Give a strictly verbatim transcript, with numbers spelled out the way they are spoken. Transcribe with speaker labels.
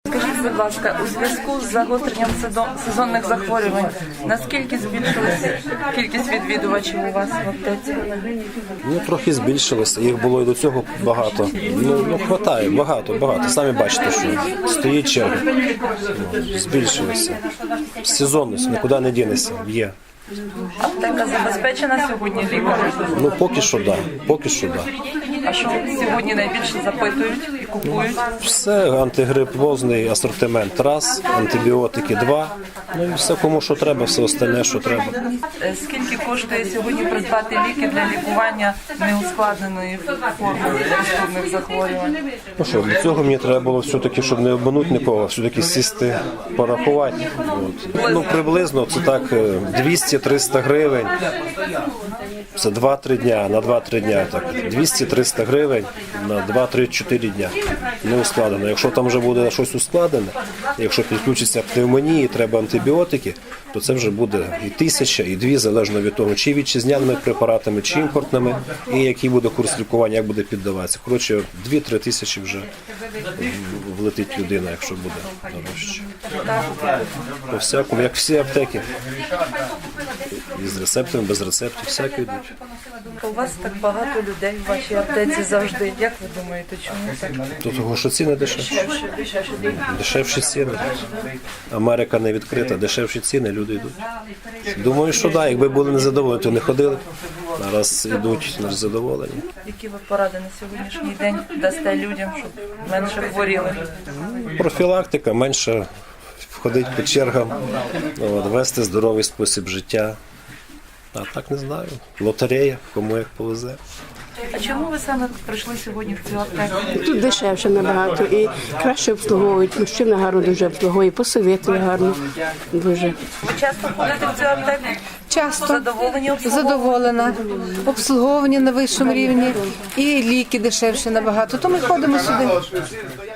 Speaker 1: Скажіть, будь ласка, у зв'язку з загостренням сезонних захворювань, наскільки збільшилася кількість відвідувачів у вас в аптеці?
Speaker 2: Ну, трохи збільшилося, їх було і до цього багато. Ну, ну хватає, багато, багато. Самі бачите, що стоїть черга. Ну, збільшилося. Сезонність, нікуди не дінеться, є.
Speaker 1: Аптека забезпечена сьогодні лікарем?
Speaker 2: Ну, поки що, да, поки що, да.
Speaker 1: А що сьогодні найбільше запитують і купують?
Speaker 2: Все, антигрипозний асортимент раз, антибіотики два, ну і все кому що треба, все остальне, що треба.
Speaker 1: Скільки коштує сьогодні придбати ліки для лікування неускладненої форми простудних захворювань?
Speaker 2: Ну що, для цього мені треба було все-таки, щоб не обманути нікого, все-таки сісти, порахувати. От. Ну, приблизно це так двісті-триста гривень. Це два-три дня, на два-три дня, так, двісті-триста гривень на два-три-чотири дня, не ускладено. Якщо там вже буде щось ускладене, якщо підключиться пневмонії, треба антибіотики, то це вже буде і тисяча, і дві, залежно від того, чи вітчизняними препаратами, чи імпортними, і який буде курс лікування, як буде піддаватися. Коротше, дві-три тисячі вже влетить людина, якщо буде дорожче. По всякому, як всі аптеки. І з рецептами, без рецептів, всякі йдуть.
Speaker 1: У вас так багато людей в вашій аптеці завжди. Як ви думаєте, чому так?
Speaker 2: До того, що ціни дешевші. Дешевші ціни. Америка не відкрита, дешевші ціни, люди йдуть. Думаю, що так, якби були незадоволені, то не ходили. Зараз йдуть незадоволені.
Speaker 1: Які ви поради на сьогоднішній день дасте людям, щоб менше хворіли?
Speaker 2: Профілактика, менше ходити по чергам, от, вести здоровий спосіб життя. А так не знаю. Лотерея, кому як повезе.
Speaker 1: А чому ви саме прийшли сьогодні в цю аптеку?
Speaker 3: Тут дешевше набагато і краще обслуговують. Мужчина гарно дуже обслуговує, посоветує гарно дуже.
Speaker 1: Ви часто ходите в цю аптеку?
Speaker 4: Часто.
Speaker 1: Задоволені обслуговуванням?
Speaker 4: Задоволена. Обслуговування на вищому рівні і ліки дешевші набагато. То ми ходимо сюди.